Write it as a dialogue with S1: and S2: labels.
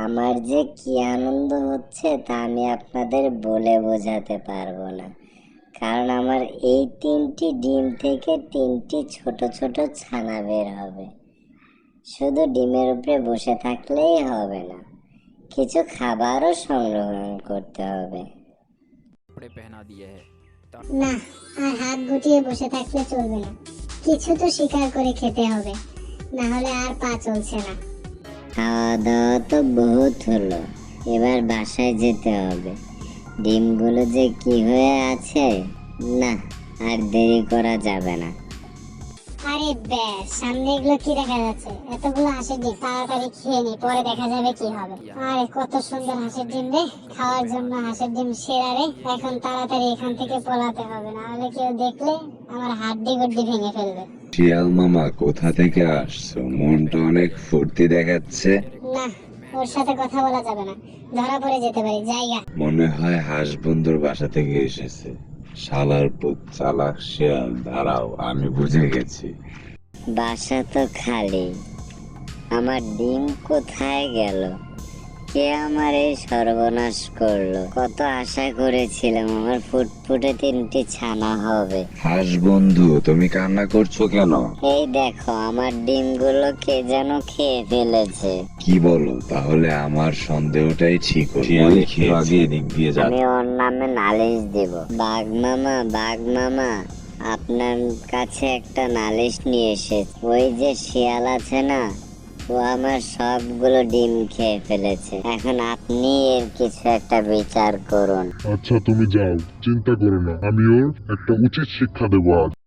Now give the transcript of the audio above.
S1: আমার যে কি আনন্দ হচ্ছে তা আমি আপনাদের বলে বোঝাতে পারবো না। কারণ আমার এই 3টি ডিম থেকে 3টি ছোট ছোট ছানা বের হবে। শুধু ডিমের উপরে বসে থাকলেই হবে না, কিছু খাবারও সংগ্রহ করতে হবে।
S2: कपड़े पहना दिए हैं
S3: না, আর হাত গুটিয়ে বসে থাকলে চলবে না, কিছু তো শিকার করে খেতে হবে, না হলে আর পা চলছে না।
S1: খাওয়া দাওয়া তো বহুত হলো, এবার বাসায় যেতে হবে। ডিমগুলো যে কি হয়ে আছে, না আর দেরি করা যাবে না।
S3: আরে ব্যাস, সামনে এগুলো কি দেখা যাচ্ছে? এতগুলো হাঁসের ডিম, তাড়াতাড়ি খেয়ে নি, পরে দেখা যাবে কি হবে। আরে কত সুন্দর হাঁসের ডিম রে, খাওয়ার জন্য হাঁসের ডিম সেরা রে। এখন তাড়াতাড়ি এখান থেকে পলাতে হবে, না হলে কেউ দেখলে আমার হাড্ডি গুড্ডি ভেঙে ফেলবে।
S4: শিয়াল মামা কোথা থেকে আসছো? মনটা অনেক ফুর্তি দেখাচ্ছে।
S3: না, ওর সাথে কথা বলা যাবে না, ধরা পড়ে যেতে পারি। জায়গা
S4: মনে হয় হাঁস বন্ধুর বাসা থেকে এসেছে। শালার পুত চালাক শিয়াল, দাঁড়াও আমি বুঝে গেছি।
S1: বাসা তো খালি, আমার ডিম কোথায় গেল? কে আমার এই সর্বনাশ করলো? কত আশা করেছিলাম আমার ফুটফুটে 3টি ছানা হবে।
S4: হাঁস বন্ধু, তুমি কান্না করছো কেন?
S1: এই দেখো, আমার ডিমগুলো কে যেন খেয়ে ফেলেছে।
S4: কি বলো? তাহলে আমার সন্দেহটাই ঠিক হলো। শিয়াল একটু আগে এদিক দিয়ে
S1: আমি
S4: যাচ্ছে।
S1: ওর নামে নালিশ দিব। বাঘ মামা, বাঘ মামা, আপনার কাছে একটা নালিশ নিয়ে এসেছে। ওই যে শিয়াল আছে না, ও আমার সবগুলো ডিম খেয়ে ফেলেছে। এখন আপনি এর কিছু একটা বিচার করুন।
S5: আচ্ছা তুমি যাও, চিন্তা করো না, আমি ওর একটা উচিত শিক্ষা দেবো আজ।